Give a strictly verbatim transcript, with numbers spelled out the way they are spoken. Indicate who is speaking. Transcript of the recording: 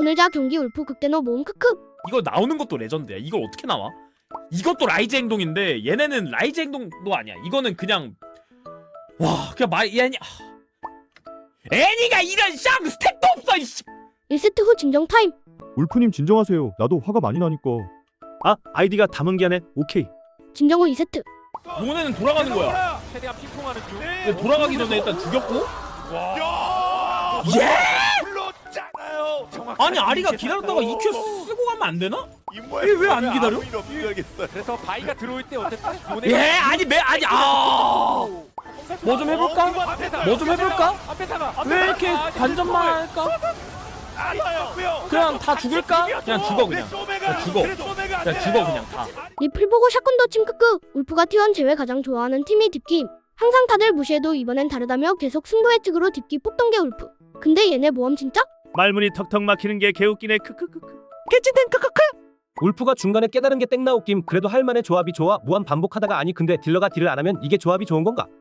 Speaker 1: 오늘자 경기 울프 극대노 모음 크크.
Speaker 2: 이거 나오는 것도 레전드야. 이걸 어떻게 나와? 이것도 라이즈 행동인데 얘네는 라이즈 행동도 아니야. 이거는 그냥 와 그냥 말 애니 애니가 이런 쌍 스택도 없어. 이씨.
Speaker 1: 일 세트 후 진정 타임.
Speaker 3: 울프님 진정하세요. 나도 화가 많이 나니까.
Speaker 4: 아 아이디가 다문기하네. 오케이.
Speaker 1: 진정 후 이 세트.
Speaker 2: 요네는 돌아가는 거야.
Speaker 5: 최대한 핑퐁하는 중.
Speaker 2: 근데 돌아가기 전에 일단 죽였고.
Speaker 5: 와.
Speaker 2: 예?
Speaker 5: 불렀잖아요.
Speaker 2: 아니 아리가 기다렸다가 이 큐 쓰고 가면 안 되나?
Speaker 5: 이모의
Speaker 2: 왜 안 기다려?
Speaker 5: 그래서 바이가 들어올 때 어쨌든
Speaker 2: 예 아니 매 아니 아. 뭐 좀 해볼까? 뭐 좀 해볼까? 왜 이렇게 관전만 할까? 그냥 다 죽일까? 그냥 죽어 그냥. 그냥 죽어. 그냥 죽어 그냥 다.
Speaker 1: 리플 보고 샷건 더침 크크. 울프가 티원 제외 가장 좋아하는 팀이 딥김. 항상 다들 무시해도 이번엔 다르다며 계속 승부의 측으로 딥기 뽑던 게 울프. 근데 얘네 모험 진짜?
Speaker 4: 말문이 턱턱 막히는 게 개웃기네. 크크크크. 개찐텐 크크크. 울프가 중간에 깨달은 게 땡나웃김. 그래도 할만해. 조합이 좋아. 무한 반복하다가 아니 근데 딜러가 딜을 안 하면 이게 조합이 좋은 건가?